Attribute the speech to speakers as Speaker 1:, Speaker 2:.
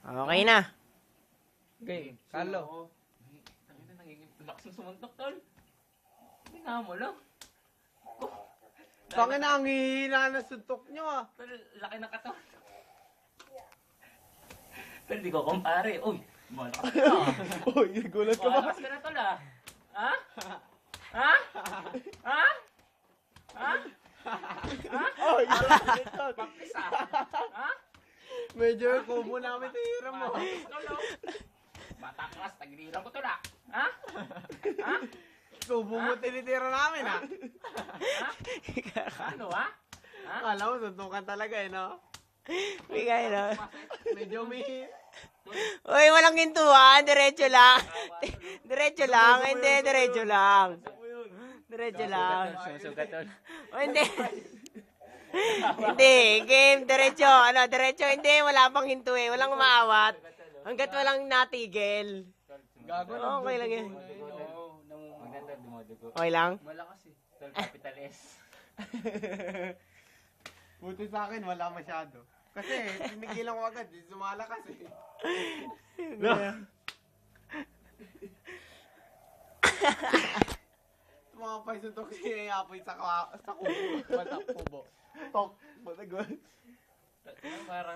Speaker 1: Okay na.
Speaker 2: Okay, Carlo.
Speaker 3: Lakas ng sumuntok, tol. Hindi nga mo lang.
Speaker 2: Tangin na, ang hihina na suntok nyo ah.
Speaker 3: Tol, laki na katawan. Tol, di ko kumpare. Uy, malakas ka na.
Speaker 2: Uy, nagulat ka ba?
Speaker 3: Malakas ka na, tol, ah. Ha? Ha? Ha? Ha?
Speaker 2: Uy,
Speaker 3: Pakis, ah. Ha?
Speaker 2: medyo kubo namin tira mo.
Speaker 3: Pakis, tol, oh. Bataklas, tagiliran ko, tol, ah. Ha? Ha?
Speaker 2: Kubo mo tinitira namin ah.
Speaker 3: Ha? Ano, ha? Ha?
Speaker 2: Kala mo, suntukan talaga eh, no?
Speaker 1: Bigay na.
Speaker 2: Medyo may...
Speaker 1: Uy, walang hintuan. Diretso lang. Diretso lang. Hindi, diretso lang. Diretso lang.
Speaker 3: Susugat, tol.
Speaker 1: O, hindi. Hindi. Game. Diretso. Ano, diretso. Hindi. Wala pang hinto eh. Walang umaawat. Hanggat walang natigil.
Speaker 2: Gago
Speaker 1: Oh, okay lang yan.
Speaker 3: Maganda, dumudugo.
Speaker 1: Okay lang?
Speaker 2: Malakas eh.
Speaker 3: Tol, capital S.
Speaker 2: Buti sa akin, wala masyado. Kasi, tinigilan ko agad, sumalakas eh. Mga paisuntok siya apoy sa kubo. Basta kubo. Tok. Basta
Speaker 3: Parang